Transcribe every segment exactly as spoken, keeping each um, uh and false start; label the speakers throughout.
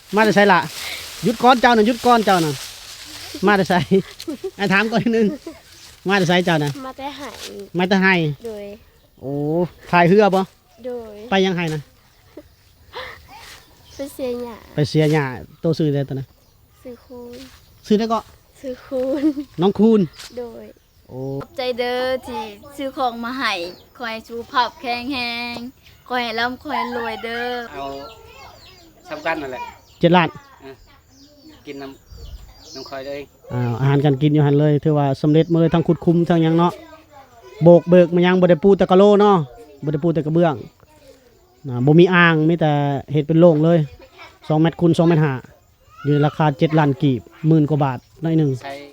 Speaker 1: มาได้ใส่ละหยุดก้อนเจ้าน่ะหยุดก้อนเจ้าน่ะมาได้ใส่ไอ้ถามก่อนนึงมาได้ใส่เจ้าน่ะ
Speaker 2: มาแต่หาย
Speaker 1: มาแต่ให้
Speaker 2: โดย
Speaker 1: โอ้ถ่ายเหือบ่
Speaker 2: โดย
Speaker 1: ไปยังให้นะ
Speaker 2: ไปเสียหยา
Speaker 1: ไปเสียหญ้าโตซื้อได้ตัวน่ะ
Speaker 2: ซื้อคูณ
Speaker 1: ซื้อได้ก็
Speaker 2: ซื้อคูณ
Speaker 1: น้องคูณ
Speaker 2: โดย
Speaker 1: โอ้
Speaker 3: ใจเด้อที่ซื้อของมาให้คอยสุขภาพแข็งแรงคอยร่ำคอยรวยเด้อ
Speaker 4: เอาสำคัญนั่นแหละ
Speaker 1: เจ็ดล้าน
Speaker 4: กินน้ำน้ำคอยเลย
Speaker 1: อ่าอาหารการกินอยู่หันเลยถือว่าสำเร็จมาเลยทั้งขุดคุมทั้งยังเนาะโบกเบิกมันยังบ่ได้ปูแต่กะโลเนาะบ่ได้ปูแต่กระเบื้องนะบ่มีอ่างมีแต่เฮ็ดเป็นโล่งเลยสองเมตรคูณสองเมตรห้าอยู่ในราคาเจ็ดล้านกีบหมื่นกว่าบาทหน่อยหนึง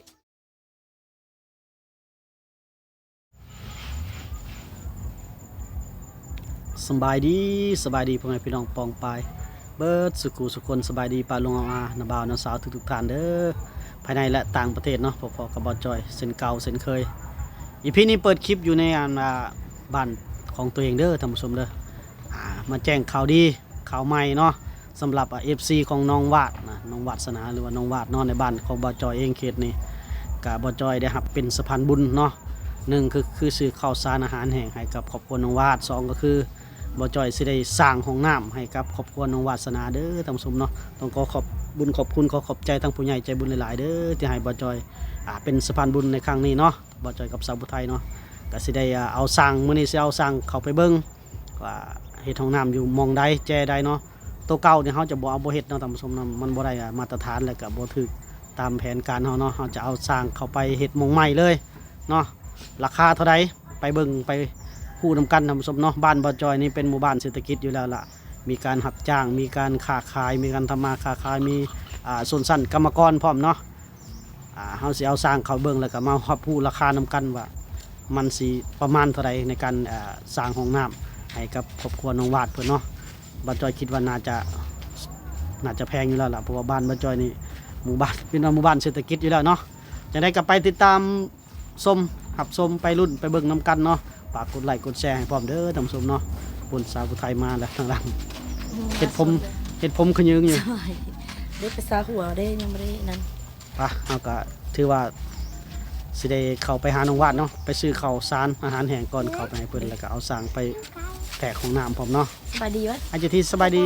Speaker 1: สบายดีสบายดีพ่อแม่พี่น้องปองปายเบิดสุขุสุคนสบายดีปาลุงอาณาบ่าวน้าสาวทุกๆท่านเด้อภายในและต่างประเทศเนาะพอๆกับบอจอยเส้นเก่าเส้นเคยอีพีนี้เปิดคลิปอยู่ในอันบ้านของตัวเองเด้อท่านผู้ชมเด้อมาแจ้งข่าวดีข่าวใหม่เนาะสำหรับเอฟซีของน้องวาดนะน้องวาดสนาหรือว่าน้องวาดนอนในบ้านของบอจอยเองเขตนี้กับบอจอยได้รับเป็นสะพานบุญเนาะหนึ่งคือคือซื้อข้าวสารอาหารแห้งให้กับครอบครัวน้องวาดสองก็คือบอจอยสิได้สร้างห้องน้ำให้กับครอบครัวน้องวาสนาเด้อท่านผู้ชมเนาะต้องขอขอบบุญขอบคุณขอขอบใจทั้งผู้ใหญ่ใจบุญหลายๆเด้อที่ให้บอจอยอ่าเป็นสะพานบุญในครั้งนี้เนาะบอจอยกับสาวผู้ไทยเนาะก็สิได้เอาสร้างมื้อนี้สิเอาสร้างเข้าไปเบิ่งว่าเฮ็ดห้องน้ำอยู่มองใดแจใดเนาะตัวเก่าเนี่ยเฮาจะบ่เอาบ่เฮ็ดเนาะท่านผู้ชมเนาะมันบ่ได้มาตรฐานแล้วก็บ่ถูกตามแผนการเฮาเนาะเฮาจะเอาสร้างเข้าไปเฮ็ดมองใหม่เลยเนาะราคาเท่าใดไปเบิ่งไปคู่นำกันท่านผู้ชมเนาะบ้านบอจอยนี่เป็นหมู่บ้านเศรษฐกิจอยู่แล้วล่ะมีการหับจ้างมีการค้าขายมีการทำมาค้าขายมีอ่าส่วนสั้นกรรมกรพร้อมเนาะอ่าเฮาสิเอาสร้างเข้าเบิ่งแล้วก็มารับผู้ราคานำกันว่ามันสิประมาณเท่าใดในการอ่าสร้างห้องน้ำให้กับครอบครัวน้องวาดเพิ่นเนาะบอจอยคิดว่าน่าจะน่าจะแพงอยู่แล้วล่ะเพราะว่าบ้านบอจอยนี่หมู่บ้านเป็นหมู่บ้านเศรษฐกิจอยู่แล้วเนาะจะได้กลับไปติดตามชมหับชมไปรุ่นไปเบิ่งนำกันเนาะฝากกดไลค์กดแชร์ให้พร้อมเด้อท่านผู้ชมเนาะปุ่นสาวผู้ไทยมาแล้วทางหลังเห็ดผมเห็ดผมขยืงอยู่
Speaker 5: ได้ไปซาหัวได้ยังไม่ได้นั่น
Speaker 1: ป่ะเอาก็ถือว่าสิได้เข้าไปหาน้องวาดเนาะไปซื้อข้าวสารอาหารแห้งก่อนเข้าไปให้เพิ่นแล้วก็เอาสร้างไปแตกของน้ำพร้อมเนาะ
Speaker 5: สบายดีวะ
Speaker 1: อาจจะที่สบายดี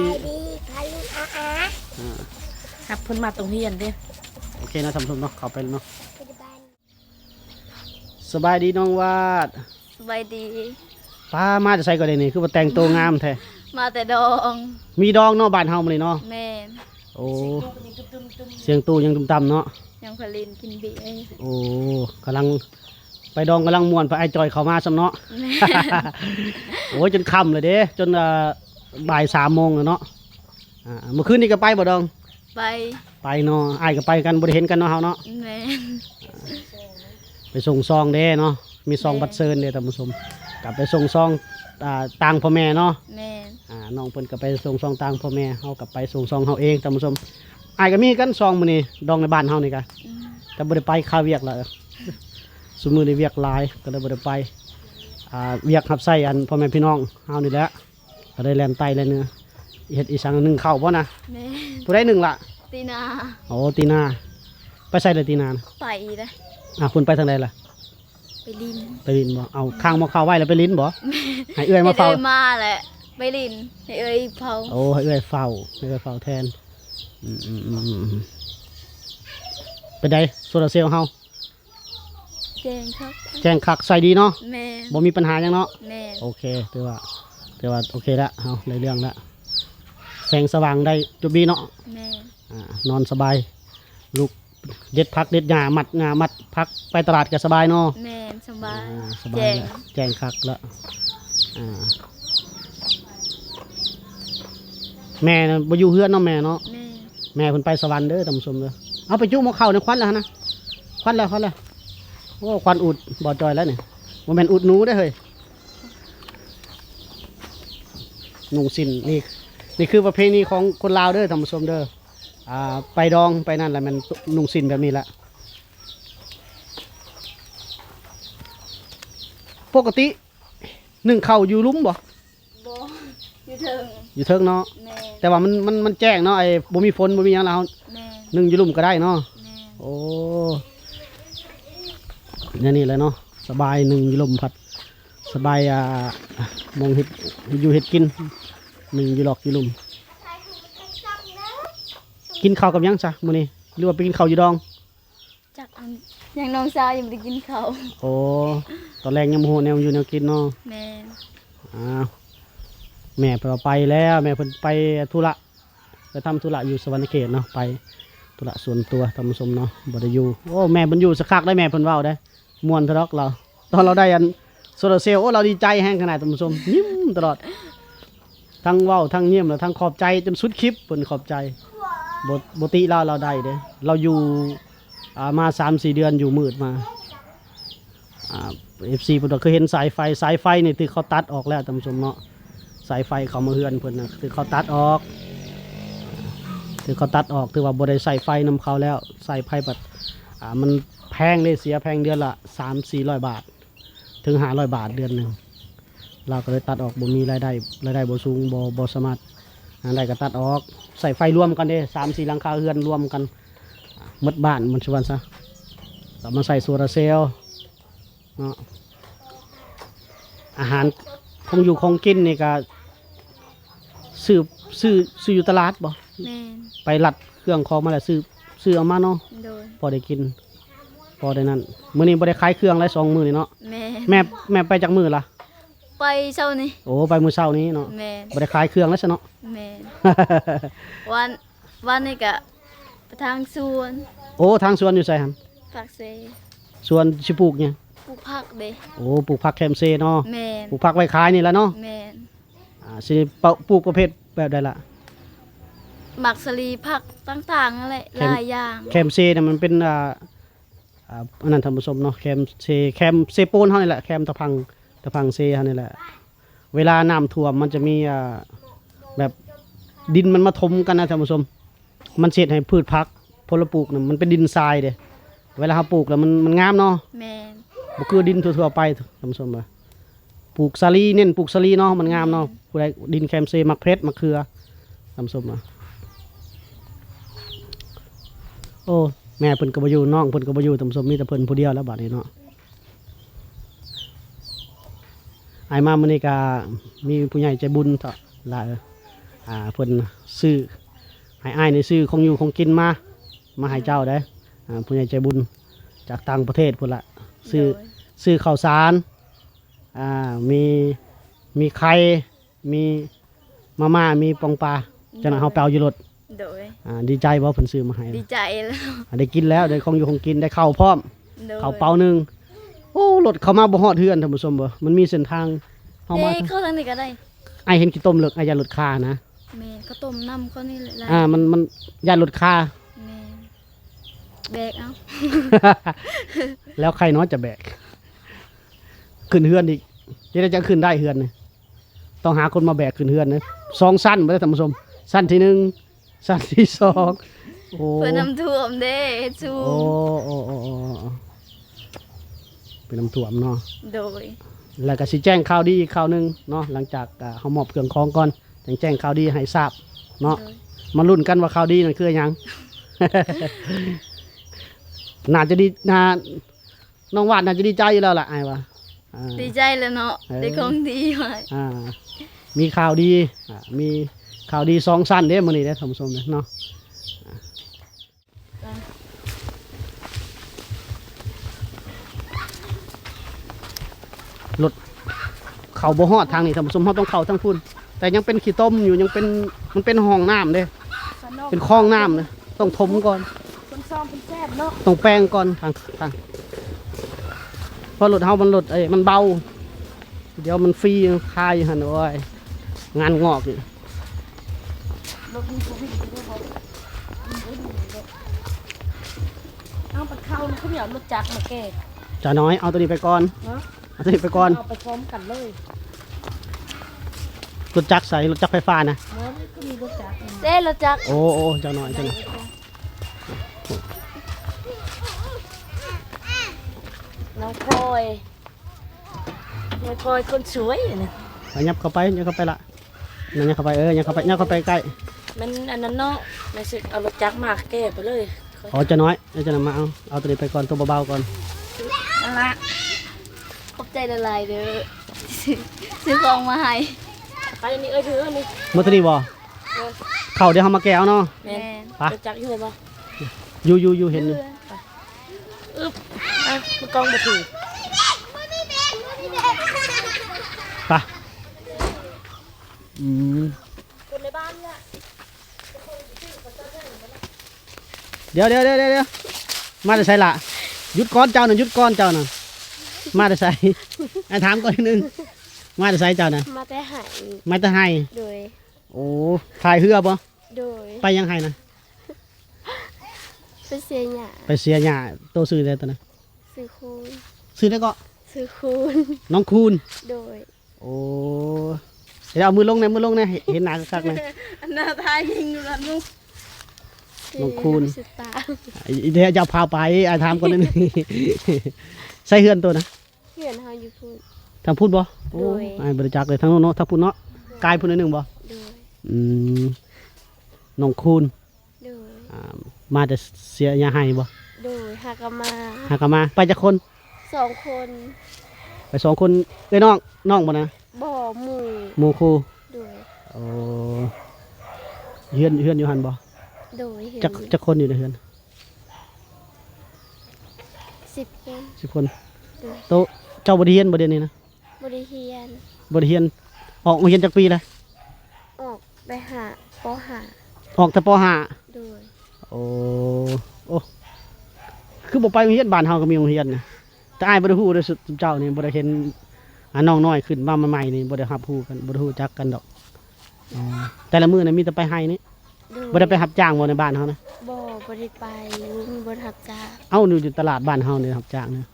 Speaker 5: ครับเพิ่นมาตรงเฮียนเด้
Speaker 1: โอเคนะท่านผู้ชมเนาะเข้าไปเนาะสบายดีน้องวาด
Speaker 3: สบายดี
Speaker 1: ป้ามาจะใส่ก็ได้นี่คือว่าแต่งตัวงามแท้
Speaker 3: มาแต่ดอง
Speaker 1: มีดองเนาะบ้านเฮามาเลยเนาะ
Speaker 3: แม่
Speaker 1: โอ้เสียงตู้ยังต่ำๆเนาะ
Speaker 3: ยังผลินกินเบียร์
Speaker 1: โอ้กำลังไปดองกำลังม่วนไปไอจอยเข้ามาซ้ำเนาะโอ้ยจนค่ำเลยเด้จนบ่ายสามโมงแล้วเนาะเมื่อคืนนี้ก็ไปบ่ดอง
Speaker 3: ไป
Speaker 1: ไปเนาะไอก็ไปกันบ่ได้เห็นกันเนาะเฮาเนาะ
Speaker 3: แม่
Speaker 1: ไปส่งซองเด้เนาะมีซองบัตรเซิร์นเด้ท่านผู้ชมกลับไปส่งซองต่างพ่อแม่เนาะ
Speaker 3: แม่
Speaker 1: อ่าน้องเพิ่นก็ไปส่งซองต่างพ่อแม่เฮากลับไปส่งซองเฮาเองท่านผู้ชมไอก็มีกันซองมื้อนี้ดองในบ้านเฮานี่ก็แต่บ่ได้ไปค่าเวียกละซุมื้อนี้เวียกหลายก็เลยบ่ได้ไปอ่าเวียกรับใช้อันพ่อแม่พี่น้องเฮานี่แหละก็ได้แล่นไตแล่นเนื้อเฮ็ดอีสังนึงข้าวบ่นะ
Speaker 3: แม่
Speaker 1: ผู้ใดนึงล่ะ
Speaker 3: ตีนา
Speaker 1: โอ้ตีนาไปใส่เลยตีนา
Speaker 3: ไปเด้
Speaker 1: อ่ะคุณไปทางใดล่ะ
Speaker 3: ไปลิ้น
Speaker 1: ไปลิ้นบ่เอาข้างมาเข้าไว้แล้วไปลิ้นบ่ให้เอื้อยมาเฝ้า
Speaker 3: เอื้อยมาแหละไปลิ้นให้เอื้อยเฝ้า
Speaker 1: โอ้ให้เอื้อยเฝ้าให้เอื้อยเฝ้าแทนอืมๆๆไปได้โซลาร์เซลล์เฮา
Speaker 3: แจ้งครับ
Speaker 1: แจ้งคักใส่ดีเนาะ
Speaker 3: แม่
Speaker 1: บ่มีปัญหาหยังเนาะ
Speaker 3: แม่
Speaker 1: โอเคถือว่าถือว่าโอเคละเฮาได้เรื่องละแสงสว่างได้จุบบีเนาะ
Speaker 3: แม่
Speaker 1: อ่านอนสบายลูกเด็ดพักเด็ดหญ้ามัดงามัดพักไปตลาดก็สบายเนาะ
Speaker 3: แม่สบาย
Speaker 1: สบายแจ้งคักแล้วอ่าแม่บ่อยู่เฮือนเนาะแม่เนาะ
Speaker 3: แม่
Speaker 1: แม่เพิ่นไปสวรรค์เด้อท่านผู้ชมเด้อเอาไปจุ่มเข้าในควันแล้วนะควันแล้วควันแล้วโอ้ควันอุดบ่จอยแล้วนี่บ่แม่นอุดหนูได้เฮ้ยนุ่งสิ้นนี่นี่คือประเพณีของคนลาวเด้อท่านผู้ชมเด้ออ่าไปดองไปนั่นแหละมันนุ่งสิ้นแบบนี้แหละปกติหนึ่งเข่าอยู่ลุ้มบ่
Speaker 3: บ่อยู่เถิง
Speaker 1: อยู่เทิงเนาะ
Speaker 3: แม่น
Speaker 1: แต่ว่ามันมันมันแจ้งเนาะไอ้บ่มีฝนบ่มีหยังแล้ว
Speaker 3: แม่น
Speaker 1: นึ่งอยู่ลุ่มก็ได้เนาะ
Speaker 3: แม่น
Speaker 1: โอ้เนี่ยนี่เลยเนาะสบายหนึ่งอยู่ลมพัดสบายอ่ามองเห็ดอยู่เห็ดกินหนึ่งอยู่หลอกอยู่ลุมกินข้าวกับหยังจ้ะมื้อนี้หรือว่าไปกินข้าวอยู่ดอง
Speaker 3: จักอันยังน้องสาวยังบ่ได้กินข้าว
Speaker 1: โอ้ตอนแรกยังโมโหแนวอยู่แนวกินเนาะ
Speaker 3: แม่น
Speaker 1: อ้าวแม่ไปว่าไปแล้วแม่เพิ่นไปธุระไปทำธุระอยู่สวรรณเขตเนาะไปธุระส่วนตัวทำสมเนาะบ่ได้อยู่โอ้แม่เพิ่นอยู่สักคักได้แม่เพิ่นเว้าได้ม่วนทะดอกเรา ตอนเราได้อันโซลาร์เซลล์โอ้เราดีใจแห้งขนาดทำสมยิ้มตลอดทั้งเว้าทั้งยิ้มแล้วทั้งขอบใจจนสุดคลิปเพิ่นขอบใจบ่บ่ติเราเราได้เด้เราอยู่อ่ามา สามสี่ เดือนอยู่มืดมาอ่า เอฟ ซี เพิ่นก็เคยเห็นสายไฟสายไฟนี่ที่เขาตัดออกแล้วท่านผู้ชมเนาะสายไฟเขามาเฮือนเพิ่นน่ะคือเขาตัดออกคือเขาตัดออกถือว่าบ่ได้ใส่ไฟนำเขาแล้วใส่ไฟบัดอ่ามันแพงเลยเสียแพงเดือนละ สามสี่ร้อย บาท ถึงห้าร้อยบาทเดือนหนึงเราก็เลยตัดออกบ่มีรายได้รายได้บ่สูงบ่บ่สามารถหาได้ก็ตัดออกใส่ไฟรวมกันเด้ สามสี่ หลังคาเฮือนรวมกันอ่าหมดบ้านมันสิว่าซะก็มาใส่โซลาร์เซลล์เนาะอาหารคงอยู่คงกินนี่ก็ซื้อซื้อซื้ออยู่ตลาดบ่
Speaker 3: แม่น
Speaker 1: ไปลัดเครื่องของมาแล้วซื้อซื้อเอามาเนาะ
Speaker 3: โดย
Speaker 1: พอได้กินพอได้นั่นมื้อนี้บ่ได้ขายเครื่องหลายสองมื้อนี่เนาะ
Speaker 3: แม่น
Speaker 1: แม่แม่ไปจากมื้อล่ะ
Speaker 3: ไปเช้านี้
Speaker 1: โอ้ไปมื้อเช้านี้เนาะ
Speaker 3: แม่น
Speaker 1: บ่ได้ขายเครื่องแล้วซะเนาะ
Speaker 3: แม่นวันวันนี้ก็ไปทางสวน
Speaker 1: โอ้ทางสวนอยู่ไสหั่น
Speaker 3: ผักเซ
Speaker 1: สวนสิปลูกหยัง
Speaker 3: ปลูกผักเด้
Speaker 1: โอ้ปลูกผักแคมเซเนาะ
Speaker 3: แม่น
Speaker 1: ปลูกผักไว้ขายนี่แหละเนาะ
Speaker 3: แม่น
Speaker 1: อ่าสิปลูกประเภทแบบใดล่ะ
Speaker 3: หมักสลีผักต่างๆนั่นแหละ
Speaker 1: แคม
Speaker 3: หลายอย่าง
Speaker 1: แคมเซเนี่ยมันเป็นอ่าอ่าอันนั้นท่านผู้ชมเนาะแคมเซแคมเซโปนเฮานี่แหละแคมตะพังตะพังเซเฮานี่แหละ เวลาน้ำท่วมมันจะมีอ่าแบบดินมันมาถมกันนะท่านผู้ชมมันเสียดให้พืชพักพลปลูกน่ะมันเป็นดินทรายเด้เวลาเราปลูกแล้วมันมันงามเนาะ
Speaker 3: แม่น
Speaker 1: บ่คือดินทั่วๆไปท่านผู้ชมว่าปลูกสาลีเน้นปลูกสาลีเนาะมันงามเนาะผู้ใดดินแคมเซมักเพชรมักเขือท่านผู้ชมว่าโอ้แม่เพิ่นก็บ่อยู่น้องเพิ่นก็บ่อยู่ท่านผู้ชมมีแต่เพิ่นผู้เดียวแล้วบัดนี้เนาะไอ้มามื้อนี้ก็มีผู้ใหญ่ใจบุญเถาะหลายอ่าเพิ่นซื้อให้อ้ายในซื้อของอยู่ของกินมามาให้เจ้าได้อ่าผู้ใหญ่ใจบุญจากต่างประเทศพุ่นละซื้อ
Speaker 3: โดย
Speaker 1: ซื้อข้าวสารอ่ามีมีไข่มีมาม่ามีปองปลาจังนั้นเฮาไปเอาอยู่รถ
Speaker 3: โดย
Speaker 1: อ่าดีใจบ่เพิ่นซื้อมาให้
Speaker 3: ดีใจแล้ว
Speaker 1: อ่าได้กินแล้วได้ของอยู่ของกินได้ข้าวพร้อม
Speaker 3: โดย
Speaker 1: ข้าวเปล่าหนึงโอ้รถเข้ามาบ่ฮอดเฮือนท่านผู้ชมบ่มันมีเส้นทางเฮามา
Speaker 3: เด้เข้าทางนี้ก็ได้
Speaker 1: ไอ้ายเห็นกี่ต้มเลิกไอ้ายยานรถคานะ
Speaker 3: แม่นก็ต้มน้ำเขานี่แหละ
Speaker 1: อ่ามันมันยานรถคา
Speaker 3: แม่นแบกเอา
Speaker 1: แล้วใครเนาะจะแบก ขึ้นเฮือนอีกจะได้จะขึ้นได้เฮือนนี่ต้องหาคนมาแบกขึ้นเฮือนนะสองสั้นบ่ได้ท่านผู้ชมสั้นที่หนึ่งสั้นที่สองโอ้
Speaker 3: เพื่อน้ำท่วมเด้เฮ็ดซู
Speaker 1: โอ้โอ้โอ้โอ้โอ้เป็นน้ำท่วมเนาะ
Speaker 3: โดย
Speaker 1: แล้วก็สิแจ้งข่าวดีอีกข่าวหนึงเนาะหลังจากอ่าเฮามอบเครื่องของก่อนจังแจ้งข่าวดีให้ทราบเนาะ
Speaker 3: โดย
Speaker 1: มาลุ้นกันว่าข่าวดีนั่นคือหยัง น่าจะดีน่าน้องวาดน่าจะดีใจอยู่แล้วล่ะไอ้ายว่าอ่า
Speaker 3: ดีใจแล้วเนาะ
Speaker 1: เออ
Speaker 3: ได้ของดีไว้
Speaker 1: อ่ามีข่าวดีอ่ามีข่าวดีสองสั้นเด้มื้อนี้เด้อท่านผู้ชมเด้อเนาะรถเข้าบ่ฮอดทางนี้ท่านผู้ชมเฮาต้องเข้าทางพุ่นแต่ยังเป็นขี้ต้มอยู่ยังเป็นมันเป็นห้องน้ำเด้เป็นคลองน้ำเด้ต้องถมก่อน
Speaker 5: คนซ้อมเป็นแซ่บเนาะ
Speaker 1: ต้องแปลงก่อนทางทางเพราะรถเฮามันรถไอ้มันเบา เดี๋ยวมันฟรีคายหันโอ้ยงานงอกอีก
Speaker 5: รถมีผู้วิ่งไปด้วยบ่เอาไปเข้าเขาเหนียวรถจักรมาแก่
Speaker 1: จ่าน้อยเอาตัวนี้ไปก่อน
Speaker 5: เนาะ
Speaker 1: เอาตัวนี้ไปก่อน
Speaker 5: เอาไปพร้อมกันเลย
Speaker 1: รถจักรใส่รถจักรไฟฟ้านะ
Speaker 5: เนาะก็มีรถจักร
Speaker 3: เด้เราจัก
Speaker 1: โอ้โอ้เจ้าน้อยเจ้าน้อย
Speaker 5: น้องพลอยน้องพลอยคนสวยนะ
Speaker 1: ไปยับเข้าไปยับเข้าไปละนั่นยังเข้าไปเออยังเข้าไปยังเข้าไปใกล้
Speaker 5: มันอันนั้นเนาะแม่สิเอารถจักรมาแก้ไปเลย
Speaker 1: อ๋อจะน้อยเดี๋ยวจะนำมาเอาเอาตัวนี้ไปก่อนตัวเบาๆก่อน
Speaker 3: นั่นละขอบใจละลายเด้อซื้อซื้อของมาให้
Speaker 5: ไปอันนี้เอ้ยถืออันนี้
Speaker 1: มื่อตัวนี้บ่เข้าเดี๋ยวเขามาแก้วเนาะ
Speaker 5: แม่น
Speaker 1: ไป
Speaker 5: รถจักรอยู่เลยบ่
Speaker 1: อยู่อยู่อยู่เห็นอยู่
Speaker 5: อึ๊บอ่ะมันกองบ่ถือ
Speaker 1: ไปอืม
Speaker 5: คนในบ้านเนี่ย
Speaker 1: เดี๋ยวเดี๋ยวเดี๋ยวเดี๋ยวมาจะใส่ละหยุดก้อนเจ้าน่ะหยุดก้อนเจ้าน่ะมาจะใส่ไอ้ถามก่อนนิดนึงมาจะใส่เจ้าน่ะ
Speaker 2: มาแต่หาย
Speaker 1: มาจะให้
Speaker 2: โดย
Speaker 1: โอ้ถ่ายเหือบ่
Speaker 2: โดย
Speaker 1: ไปยังให้นะ
Speaker 2: ไปเสียหยา
Speaker 1: ไปเสียหญ้าโตซื้อได้ตัวนะ
Speaker 2: ซื้อคูณ
Speaker 1: ซื้อได้ก็
Speaker 2: ซื้อคูณ
Speaker 1: น้องคูณ
Speaker 2: โดย
Speaker 1: โอ้เดี๋ยวเอามือลงนะมือลงนะเห็นหน้าคักๆนะ
Speaker 3: อันน่าทายยิงอยู่แล้วนุ๊ก
Speaker 1: น้องคูณ
Speaker 2: ซื้อตา
Speaker 1: เดี๋ยวจะพาไปไอ้ถามก่อนนิดนึงใส่เฮือนตัวนะ
Speaker 2: เพื่อนเฮาอยู่พูด
Speaker 1: ทางพูดบ่โอ้
Speaker 2: โดย
Speaker 1: ไอ้บริจาคเลยทางโน้นเนาะทางพูดเนาะกายพูดนิดนึงบ่
Speaker 2: โดย
Speaker 1: อืมน้องคูณ
Speaker 2: โดย
Speaker 1: อ่ามาจะเสียยาให้บ่
Speaker 2: โดยหากนมา
Speaker 1: หากนมาไปจากคน
Speaker 2: สองคน
Speaker 1: ไปสองคนเอ้ยน้องน้องบ่นะ
Speaker 2: บ่อหมู่
Speaker 1: หมู่ครู
Speaker 2: โดย
Speaker 1: โอ้เฮือนเฮือนอยู่หันบ่
Speaker 2: โดยเห็น
Speaker 1: จักจักคนอยู่ในเฮือน
Speaker 2: สิบคน
Speaker 1: สิบคน
Speaker 2: โดย
Speaker 1: โตเจ้าบ่ได้เรียนบ่เดี๋ยวนี้นะ
Speaker 2: บริเฮียน
Speaker 1: บ่ได้เรียนออกโรงเรียนจักปีเลย
Speaker 2: ออกไปหาปหา
Speaker 1: ออกแต่ป .ห้า
Speaker 2: โดย
Speaker 1: โอ้โอ้คือบ่ไปโรงเรียนบ้านเฮาก็มีโรงเรียนนะแต่อ้ายบ่ได้ฮู้เด้อสุดเจ้านี่บ่ได้เห็นอ่าน้องน้อยขึ้นมาใหม่ๆนี่บ่ได้รับรู้กันบ่ได้ฮู้จักกันดอกอ๋อแต่ละมื้อน่ะมีแต่ไปให้นี่
Speaker 2: โดย
Speaker 1: บ่ได้ไปรับจ้างบ่ในบ้านเฮานะ
Speaker 2: บ่บริไปมีบนหับจ้า
Speaker 1: เอ้าอยู่ตลาดบ้านเฮานี่รับจ้างนะ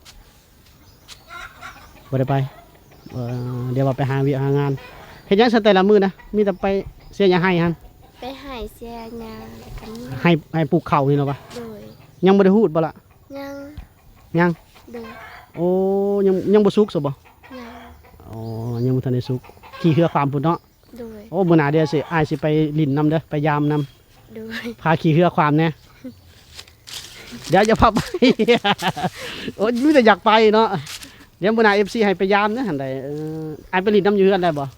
Speaker 1: บ่ได้ไปเอ่อเดี๋ยวว่าไปหาวิหางานเฮ็ดหยังซะแต่ละมื้อนะมีแต่ไปเสียหยังให้หั่น
Speaker 2: ไปใหายเสียยาแล้วกันนี้
Speaker 1: ให้ให้ปลูกข้าวนี่เนาะปะ
Speaker 2: โดย
Speaker 1: ยังบ่ได้ฮู้บ่ล่ะ
Speaker 2: ยัง
Speaker 1: ยัง
Speaker 2: โดย
Speaker 1: โอ้ยังยังบ่สุกซะบ่
Speaker 2: ยัง
Speaker 1: อ๋อยังบ่ทันได้สุกขี่เรือความพุ่นเนาะ
Speaker 2: โดย
Speaker 1: โอ้มื้อหน้าเดี๋ยวสิอ้ายสิไปลิ้นนํเด้อไปยามนํ
Speaker 2: โดย
Speaker 1: พาขี่เรือความแหน่เดี๋ยวจะพาไป โอ้ยมีแต่อยากไปเนาะเดี๋ยวมื้อหน้า เอฟ ซี ให้ไปยามนะหั่นใดเอออ้ายไปลิ้นนํอยู่เฮือนได้บ่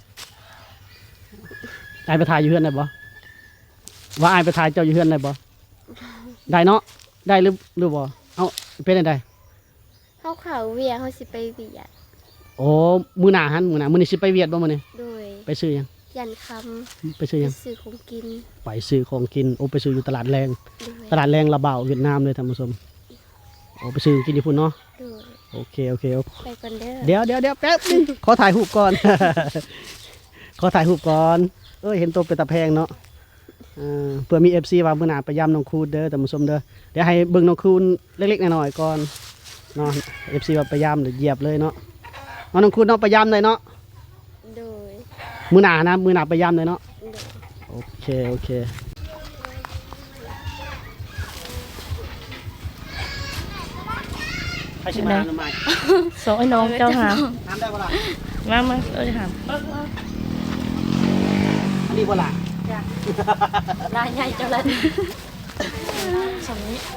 Speaker 1: อ้ายไปถ่ายอยู่เฮือนได้บ่ว่าอ้ายไปถ่ายเจ้าอยู่เฮือนได้บ่ได้เนาะได้หรือหรือบ่เอ้าเป็นจังได
Speaker 2: เขาเขาเวียเขาสิไปเวียด
Speaker 1: โอ้มื้อหน้าหันมื้อหน้ามื้อนี้สิไปเวียดบ่มื้อนี้
Speaker 2: โดย
Speaker 1: ไปซื้อหยัง
Speaker 2: ยันค
Speaker 1: ไป
Speaker 2: ำ
Speaker 1: ซื้อหยัง
Speaker 2: ไปซื้อของกิน
Speaker 1: ไปซื้อของกินโอ้ไปซื้ออยู่ตลาดแรง
Speaker 2: โดย
Speaker 1: ตลาดแรงระเบาเวียดนามเลยท่านผู้ชมโอ้ไปซื้อกินญี่ปุ่นเนาะ
Speaker 2: โดย
Speaker 1: โอเคโอเคโอเค
Speaker 2: ไปก่อนเด้อ
Speaker 1: เดี๋ยวเดี๋ยวเดี๋ยวแป๊บนึงขอถ่ายรูปก่อน ขอถ่ายรูปก่อนเอ้ยเห็นตัวเป็นตะแพงเนาะเออเพื่อมี เอฟ ซี ว่ามื้อหน้าไปย่ำน้องคูณเด้อท่านผู้ชมเด้อเดี๋ยวให้เบิ่งน้องคูณเล็กๆน้อยๆก่อนเนาะ เอฟ ซี ว่าไปย่ำเดี๋ยวเหยียบเลยเนาะเอาน้องคูณเนาะไปย่ำเลยเนาะ
Speaker 2: โดย
Speaker 1: มื้อหน้านะมื้อหน้าไปย่ำเลยเนาะ
Speaker 2: โดย
Speaker 1: โอเคโอเคใครชิมาหน่อไม้
Speaker 5: สองไอ้น้องเจ้าหาม
Speaker 1: น้ำได้บ่ล่ะ
Speaker 5: มามาเอ้ยหาม
Speaker 1: อันนี้บ่ล่ะ
Speaker 5: ลายใหญ่เจ้าละสองนี้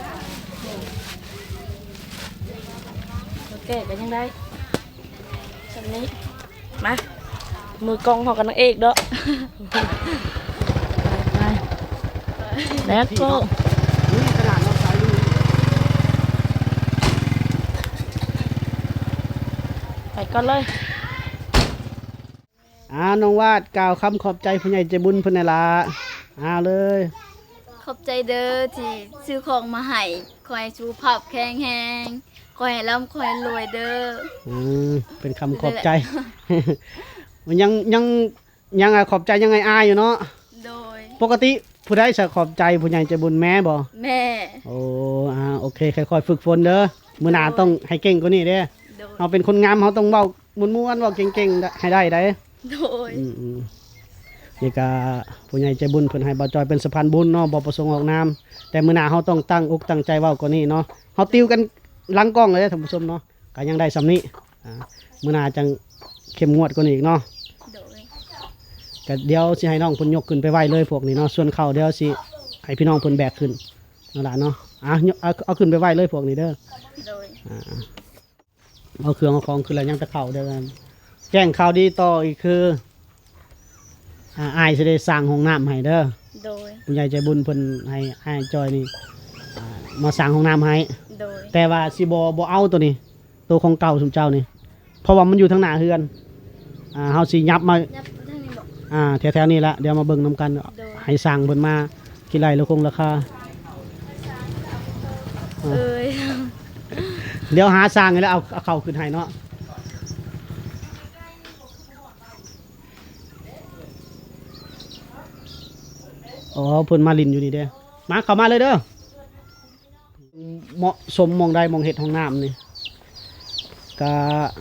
Speaker 5: โอเคกันยังได้สองนี้มามือกองเขากันนางเอกเด้อไปแล้วก็
Speaker 1: นี่ขนาดเราใส่ลูก
Speaker 5: ไปก่อนเลย
Speaker 1: อ่าน้องวาดกล่าวคำขอบใจผู้ใหญ่ใจบุญเพิ่นน่ะล่ะอ่าเลย
Speaker 3: ขอบใจเด้อที่ซื้อของมาให้คอยสุขภาพแข็งแรงคอยร่ำคอยรวยเด้อ
Speaker 1: อืมเป็นคำขอบใจ มันยังยังยังอะขอบใจยังไงอายอยู่เนาะ
Speaker 3: โดย
Speaker 1: ปกติผู้ใดจะขอบใจผู้ใหญ่ใจบุญแม่บ่
Speaker 3: แม่
Speaker 1: โอ้อ่าโอเคค่อยๆฝึกฝนเด้อมื้อหน้าต้องให้เก่งกว่านี้เด้อ
Speaker 3: โดย
Speaker 1: เราเป็นคนงามเราต้องเว้าม่วนๆเว้าเก่งๆให้ได้ได้
Speaker 3: โดย
Speaker 1: อืมๆนี่ก็ผู้ใหญ่ใจบุญเพิ่นให้บ่าวจอยเป็นสะพานบุญเนาะบ่ประสงค์ออกนามแต่มื้อหน้าเฮาต้องตั้งอกตั้งใจเว้ากว่านี้เนาะเฮาติวกันหลังกล้องเลยเด้อท่านผู้ชมเนาะก็ยังได้สำนี้อ่ามื้อหน้าจังเข้มงวดกว่านี้อีกเนาะ
Speaker 3: โดย
Speaker 1: ก็เดี๋ยวสิให้น้องเพิ่นยกขึ้นไปไว้เลยพวกนี้เนาะส่วนเขาเดี๋ยวสิให้พี่น้องเพิ่นแบกขึ้นนั่นล่ะเนาะอ่ะยกเอาเอาขึ้นไปไว้เลยพวกนี้เด้อ
Speaker 3: โดย
Speaker 1: อ่าเอาเครื่องเอาของขึ้นแล้วยังจะเข้าเด้อกันแจ้งข่าวดีต่ออีกคืออ่าอ้ายสิได้สร้างห้องน้ำให้เด้อ
Speaker 3: โดย
Speaker 1: ผู้ใหญ่ใจบุญเพิ่นให้อ้ายจอยนี่อ่ามาสร้างห้องน้ำให้
Speaker 3: โดย
Speaker 1: แต่ว่าสิบ่บ่เอาตัวนี้ ตัวของเก่าสมเจ้านี่เพราะว่ามันอยู่ทางหน้าเฮือนอ่าเฮาสิยับมา
Speaker 3: ยับทางนี้บอก
Speaker 1: อ่าแถวๆนี้ละเดี๋ยวมาเบิ่งนํกัน
Speaker 3: โดย
Speaker 1: ให้สร้างเพิ่นมากี่ไรแล้วคงราคา
Speaker 3: เอ้ย
Speaker 1: เดี๋ยวหาสร้างให้แล้วเอาเอาเข้าขึ้นให้เนาะอ๋อเพิ่นมาลินอยู่นี่เด้อมาเข้ามาเลยเด้อเหมาะสมมองใดมองเห็ดห้องน้ำนี่ก็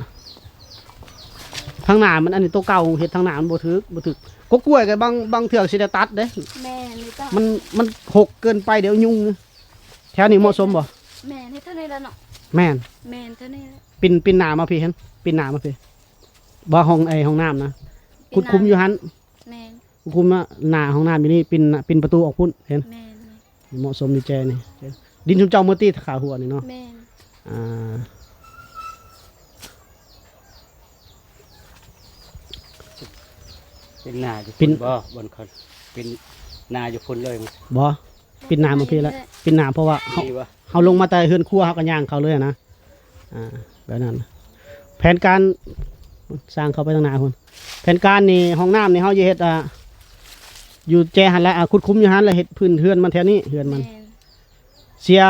Speaker 1: ทางหน้ามันอันนี้ตัวเก่าเห็ดทางหน้ามันบ่ถึกบ่ถึกก็กล้วยกับบางบางเถือกสิได้ตัดเด้
Speaker 3: แม่นี่ต้อง
Speaker 1: มันมันหกเกินไปเดี๋ยวยุ่งแถวนี้เหมาะสมบ่
Speaker 3: แม่นี่เท่านี้แล้วเนาะ
Speaker 1: แม่น
Speaker 3: แม่นเท่านี้แล้ว
Speaker 1: ปินปินหน้ามาพี่เห็นปินหน้ามาพี่บ่ห้องไอห้องน้ำนะคุดคุมอยู่หัน
Speaker 3: แม่น
Speaker 1: คุดคุมนะหน้าห้องน้ำอยู่นี่ปินปินประตูออกพุ่นเห็น
Speaker 3: แม่น
Speaker 1: เหมาะสมดีแจนี่ดินชุมเจ้าเมื่อตีขาหัวนี่เนาะ
Speaker 3: แม่น
Speaker 1: อ่า
Speaker 4: เป็นนาอยู่
Speaker 1: ปิ่น
Speaker 4: บ่บนคนเป็นนาอยู่พุ่นเลยมั้ย
Speaker 1: บ่ปินหน้ามาพี่แล้วปินหน้าเพราะว่าเขา
Speaker 4: ดีวะ
Speaker 1: เขาลงมาแต่เฮือนครัวเขาก็ย่างเขาเลยอะนะอ่าแบบนั้นแผนการสร้างเขาไปทางหน้าคนแผนการนี่ห้องน้ำนี่เขาจะเฮ็ดอ่าอยู่แจหันแล้วอ่ะคุดคุ้มอยู่หันแล้วเฮ็ดพื้นเฮือนมันแถวนี้เฮือนมัน
Speaker 3: แม่น
Speaker 1: เสีย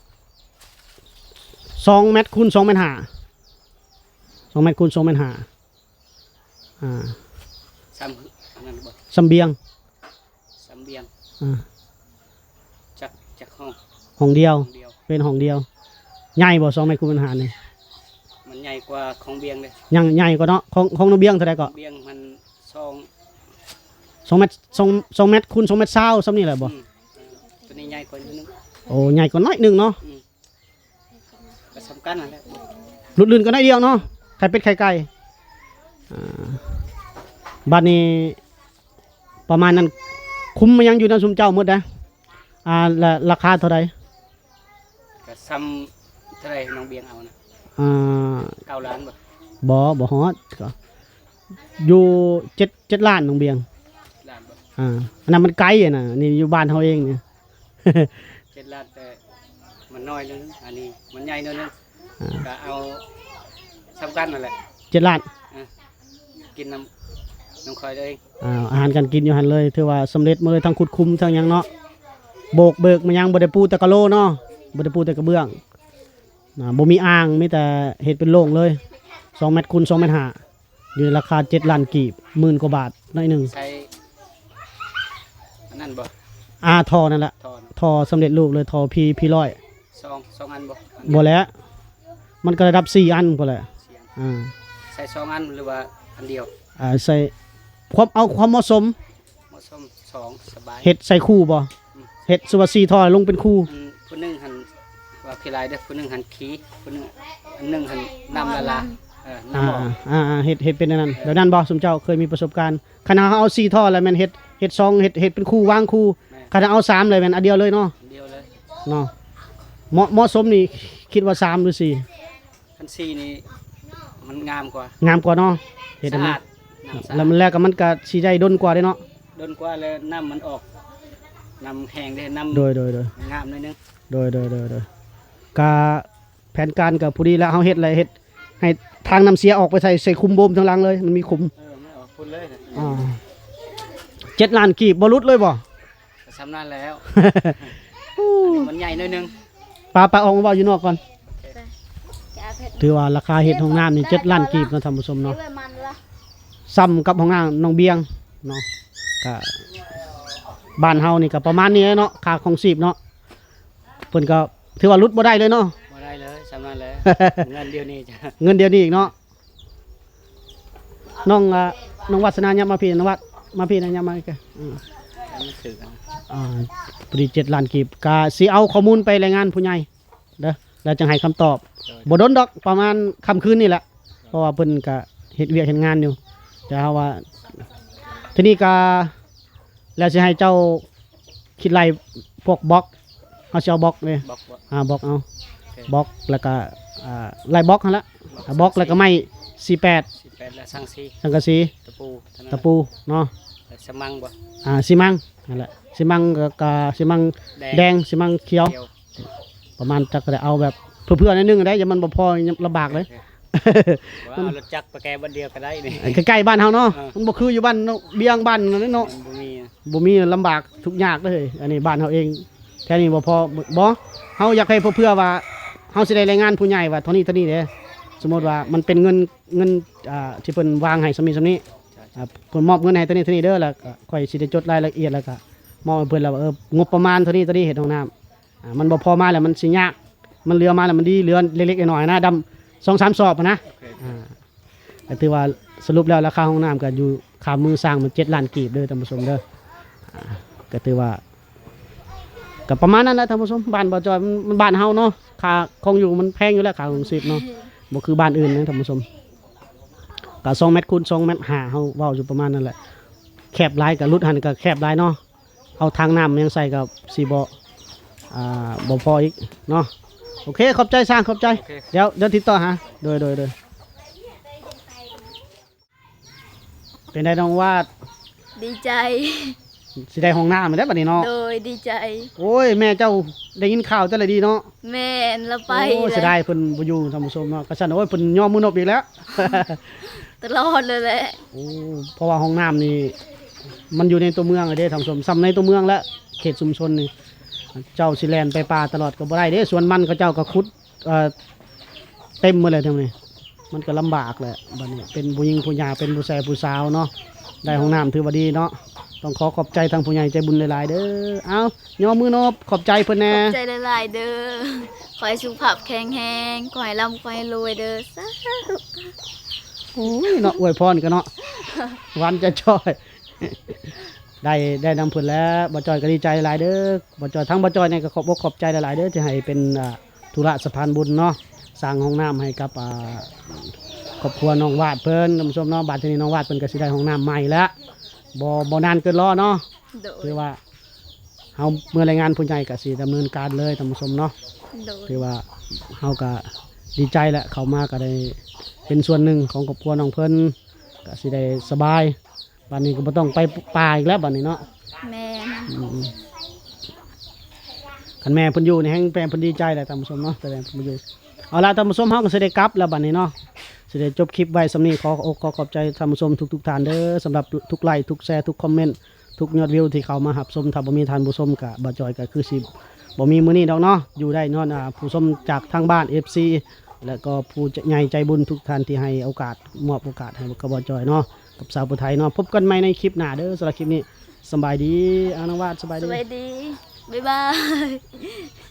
Speaker 1: สองเมตรคูณสองเมตรห้าสองเมตรคูณสองเมตรห้าอ่า
Speaker 4: ซ้ำอันนั้นบ่
Speaker 1: สำเบียง
Speaker 4: ซ้ำเบียง
Speaker 1: อ่า
Speaker 4: จักจักห้อง
Speaker 1: ห้องเดียว
Speaker 4: เดียว
Speaker 1: เป็นห้องเดียวใหญ่บ่สองเมตรคูณเมตรห้านี่
Speaker 4: มันใหญ่กว่าของเบียงเลย
Speaker 1: ยังใหญ่กว่าเนาะของของน้องเบียงเท่าไรก็
Speaker 4: เบียงมันซอง
Speaker 1: สองเมตรสองสองเมตรคูณสองเมตรเศร้าซ้ำนี่แหละบ่
Speaker 4: อืมตัวนี้ใหญ่กว่านิดนึง
Speaker 1: โอ้ใหญ่กว่าน้อยหนึ่งเนาะ
Speaker 4: ก็สำคัญนั่นแหละ
Speaker 1: หลุดลื่นก็ได้อยเดียวเนาะไข่เป็ดไข่ไก่อ่าบ้านนี้ประมาณนั้นคุ้มมายังอยู่นะซุมเจ้าหมดนะอ่าและราคาเท่าไร
Speaker 4: ก็ซ้ำเท่าไหรน้องเบียงเอานะ
Speaker 1: อ่า
Speaker 4: เก้าล้านบ่
Speaker 1: บ่บ่ฮอดก็อยู่เจ็ดเจ็ดล้านน้องเบียง
Speaker 4: ล้านบ่
Speaker 1: อ่าอันนั้นมันไกลอ่ะนะนี่อยู่บ้านเขาเองเนี่ย
Speaker 4: เจ็ดล้านแต่มันน้อยนึงอันนี้มันใหญ่นิดนึง
Speaker 1: อ่า
Speaker 4: ก็เอาสำคัญนั่นแหละ
Speaker 1: เจ็ดล้าน
Speaker 4: กินน้ำน้ำคอยเลย
Speaker 1: อ่าอาหารการกินอยู่หันเลยถือว่าสำเร็จมาเลยทั้งขุดคุมทั้งหยังเนาะโบกเบิกมายังบ่ได้ปูแต่กะโลเนาะบ่ได้ปูแต่กระเบื้องนะบ่มีอ่างมีแต่เฮ็ดเป็นโล่งเลยสองเมตรคูณสองเมตรห้าอยู่ในราคาเจ็ดล้านกีบหมื่นกว่าบาทหน้อยหนึง
Speaker 4: ใช้อันนั้นบ่
Speaker 1: อาทอนั่นแหละ
Speaker 4: ทอน
Speaker 1: ทอสำเร็จรูปเลยทอพีพีร้อย
Speaker 4: ซองสองอันบ่อัน
Speaker 1: บ่แล้วมันก็ระดับสี่อันพุ่นแหละ
Speaker 4: เสียง
Speaker 1: อ่า
Speaker 4: ใส่สองอันหรือว่าอันเดียว
Speaker 1: อ่าใส่ความเอาความเหมาะสม
Speaker 4: เหมาะสมสองสบาย
Speaker 1: เฮ็ดใส่คู่บ่เฮ็ดสุวาซีทอลงเป็นคู่
Speaker 4: อันผู้หนึงหันว่าขี้ลายเด้อผู้หนึงหันขี้ผู้หนึงอันหนึงหันน้ำละลาเออ
Speaker 1: อ่า
Speaker 4: น้ำออก
Speaker 1: อ่าอ่าเฮ็ดเฮ็ดเป็นอันนั้นเดี๋ยวนั้นบ่สมเจ้าเคยมีประสบการณ์ขณะเขาเอาสี่ท่อแล้วแม่นเฮ็ดเฮ็ดซองเฮ็ดเฮ็ดเป็นคู่วางคู่ขณะเอาสามเลยแม่นอันเดียวเลยเนาะ
Speaker 4: อันเดียวเลย
Speaker 1: เนาะเหมาะเหมาะสมนี่คิดว่าสามหรือสี่
Speaker 4: อันสี่นี่มันงามกว่าง
Speaker 1: ามกว่าเนาะเฮ็ดอัน
Speaker 4: สะ
Speaker 1: นั้
Speaker 4: อาน ดน้ำสะ
Speaker 1: แล้ว
Speaker 4: อาด
Speaker 1: มันแลกกับมันก็สิได้ดนกว่าเด้เนาะ
Speaker 4: โดนกว่าแล้วน้ำมันออกน้ำแห้งได้น้ำ
Speaker 1: โดยโดยโดย
Speaker 4: งามหนิดนึง
Speaker 1: โดยโดยโดยโดยกาแผนการกับผู้ดีแล้วเฮาเฮ็ดอะไรเฮ็ดให้ทางน้ำเสียออกไปใส่ใส่คุมโบมทางหลังเลยมันมีคุม
Speaker 4: เออไม่ออกพุ่นเลยนะ
Speaker 1: อ่าเจ็ดล้านกีบบรุษเลยบ่
Speaker 4: ก็สำนันแล้วอันนี้มันใหญ่หนิดนึง
Speaker 1: ปลาปลาออกมาเว้าอยู่นอกก่อน
Speaker 3: จะเอาเพชร
Speaker 1: ถือว่าราคาเห็ดห้องน้ำนี่เจ็ดล้านกีบเนาะท่านผู้ชม
Speaker 3: นี่
Speaker 1: เนาะ
Speaker 3: เว้ยมันละ
Speaker 1: ซ้ำกับห้องน้ำน้องเบียงเนาะก็บ้านเฮานี่ก็ประมาณนี้เนาะค่าของชีพเนาะเพิ่นก็ถือว่าลดบ่ได้เลยเนาะ
Speaker 4: มาได้เลยสำนันแล้ว เงินเดียวนี้จะ
Speaker 1: เงินเดือนนี้อีกเนาะน้องอ่ะน้องวัฒนายับมาพี่น้องวัดมาพี่นะยับมาอีกอ่ะอืม
Speaker 4: ไม่ถือกัน
Speaker 1: อ่าพอดีเจ็ดล้านกีบก็สิเอาข้อมูลไปรายงานผู้ใหญ่เด้อแล้วจังให้คำตอบบ่ดนดอกประมาณค่ำคืนนี่แหละเพราะว่าเพิ่นก็เฮ็ดเวียกเฮ็ดงานอยู่แต่เฮาว่าทีนี้ก็แล้วสิให้เจ้าคิดไล่พวกบล็อกเอาสิเอาบล็อกเลย
Speaker 4: บอกว่า
Speaker 1: อ่าบล็อกเอาบล็อกแล้วก็อ่าไล่บล็อกนั่นละอ่าบล็อกแล้วก็ไม้สี่แปด
Speaker 4: สิบแปดและสังสี
Speaker 1: สังกะสี
Speaker 4: ตะปูเท่านั้น
Speaker 1: ตะปูเนาะ
Speaker 4: และสมังบ่
Speaker 1: อ่าซีมังนั่นแหละซีมังกับกับซีมัง
Speaker 4: แด
Speaker 1: แด
Speaker 4: ง
Speaker 1: งซีมังเขียว
Speaker 4: เขียว
Speaker 1: ประมาณจักก็ได้เอาแบบเพื่อๆนิดนึงได้อย่ามันบ่พอลำบากเลย
Speaker 4: ว่าเอารถจักรไปแก้บันเดียวก็ได้นี่
Speaker 1: ใกล้ๆบ้านเฮาเนาะ
Speaker 4: อ่ามั
Speaker 1: มันบ่คืออยู่บ้านเนาะเบียงบ้านนั่นเนาะ
Speaker 4: มันบ่มีอะ
Speaker 1: บ่มีลำบากทุกยากเลยอันนี้บ้านเฮาเองแค่นี้บ่พอบ่เฮาอยากให้เพื่อๆว่าเฮาสิได้รายงานผู้ใหญ่ว่าเท่านี้เท่านี้เด้สมมุติว่ามันเป็นเงินเงินอ่าที่เพิ่นวางให้สำนี้สำนี้อ่าเพิ่นมอบเงินให้เท่านี้เท่านี้เด้อแล้วก็ค่อยสิได้จดรายละเอียดแล้วก็มอบให้เพิ่นแล้วว่าเอองบประมาณเท่านี้เท่านี้เฮ็ดห้องน้ำอ่ามันบ่พอมาแล้วมันสิยากมันเหลือมาแล้วมันดีเหลือเล็กๆน้อยๆนะดำสองสามสอบอะนะ
Speaker 4: โอเค
Speaker 1: อ่าก็ถือว่าสรุปแล้วราคาห้องน้ำก็อยู่ค่ามือสร้างมันเจ็ดล้านกีบเด้อท่านผู้ชมเด้ออ่าก็ถือว่าก็ประมาณนั้นแหละท่านผู้ชมบ้านบ่อจอยมันมันบ้านเฮาเนาะค่าคงอยู่มันแพงอยู่แล้วค่าของชีพเนาะบ่คือบ้านอื่นนะท่านผู้ชมก็สองเมตรคูณสองเมตรห้าเฮาเว้าอยู่ประมาณนั้นแหละแคบหลายก็รุดหันก็แคบหลายเนาะเอาทางน้ำยังใส่กับสิบ่อ่าบ่พออีกเนาะโอเคขอบใจสร้างขอบใจ
Speaker 4: โอเค
Speaker 1: เดี๋ยวเดี๋ยวติดต่อหาโดยโดยโดยเป็นได้น้องวาด
Speaker 3: ดีใจ
Speaker 1: สิได้ห้องน้ำมาได้บัดนี้เนาะ
Speaker 3: โดยดีใจ
Speaker 1: โอ้ยแม่เจ้าได้ยินข่าวแต่ละดีเนาะ
Speaker 3: แม่นละไป
Speaker 1: โอ้ยเสียดายเพิ่นบ่อยู่ท่านผู้ชมเนาะก็ซั่นโอ้ยเพิ่นยอมมือนบอีกแล้ว
Speaker 3: ตลอดเลยแหละ
Speaker 1: โอ้เพราะว่าห้องน้ำนี่มันอยู่ในตัวเมืองอะเด้ท่านผู้ชมซ้ำในตัวเมืองและเขตชุมชนนี่เจ้าสิแล่นไปป่าตลอดก็บ่ได้เด้ส่วนมันเขาเจ้าก็ขุดเอ่อเต็มหมดเลยทั้งนี้มันก็ลำบากแหละบัดนี้เป็นผู้หญิงผู้หญิงเป็นผู้ชายผู้สาวเนาะได้ห้องน้ำถือว่าดีเนาะต้องขอขอบใจทางผู้ใหญ่ใจบุญหลายๆเด้อเอายอมมือนบขอบใจเพิ่นแน่
Speaker 3: ขอบใจหลายๆเด้อขอให้สุขภาพแข็งแรงขอให้ร่ำขอให้รวยเด้อสาธุ
Speaker 1: โอ้ยเนาะอวยพรกันเนาะ วันจะจอย ได้ได้นำผลแล้วบ่จอยก็ดีใจหลายเด้อบ่จอยทั้งบ่จอยเนี่ยก็ขอบอกขอบใจหลายๆเด้อที่ให้เป็นอ่าธุระสะพานบุญเนาะสร้างห้องน้ำให้กับอ่าครอบครัวน้องวาดเพิ่นท่านผู้ชมเนาะบัดนี้น้องวาดเพิ่นก็สิได้ห้องน้ำใหม่แล้วบ่บ่นานเกินรอเนาะ
Speaker 3: โดย
Speaker 1: คือว่าเฮาเมื่อรายงานผู้ใหญ่ก็สิดำเนินการเลยท่านผู้ชมเนาะ
Speaker 3: โดย
Speaker 1: คือว่าเฮาก็ดีใจแหละเขามาก็ได้เป็นส่วนหนึ่งของครอบครัวน้องเพิ่นก็สิได้สบายบัดนี้ก็บ่ต้องไปป่าอีกแล้วบัดนี้เนาะ
Speaker 3: แม่น
Speaker 1: อืมคันแม่เพิ่นอยู่นี่แฮงแม่เพิ่นดีใจแหละท่านผู้ชมเนาะแต่แม่เพิ่นบ่อยู่เอาล่ะท่านผู้ชมเฮาก็สิได้กลับแล้วบัดนี้เนาะสิได้จบคลิปไว้สำนี้ขออกขอขอบใจท่านผู้ชมทุกๆท่านเด้อสำหรับทุกไลค์ทุกแชร์ทุกคอมเมนต์ทุกยอดวิวที่เข้ามารับชมถ้าบ่มีท่านผู้ชมก็บ่จอยก็คือสิบ่มีมื้อนี้ดอกเนาะอยู่ได้เนาะอ่าผู้ชมจากทางบ้าน เอฟ ซี แล้วก็ผู้ใหญ่ใจบุญทุกท่านที่ให้โอกาสมอบโอกาสให้กับบอจอยเนาะกับสาวผู้ไทยเนาะพบกันใหม่ในคลิปหน้าเด้อสำหรับคลิปนี้สำบายดีอาน้องวาดสบาย
Speaker 3: ส
Speaker 1: ดี
Speaker 3: วัสดี บ๊ายบาย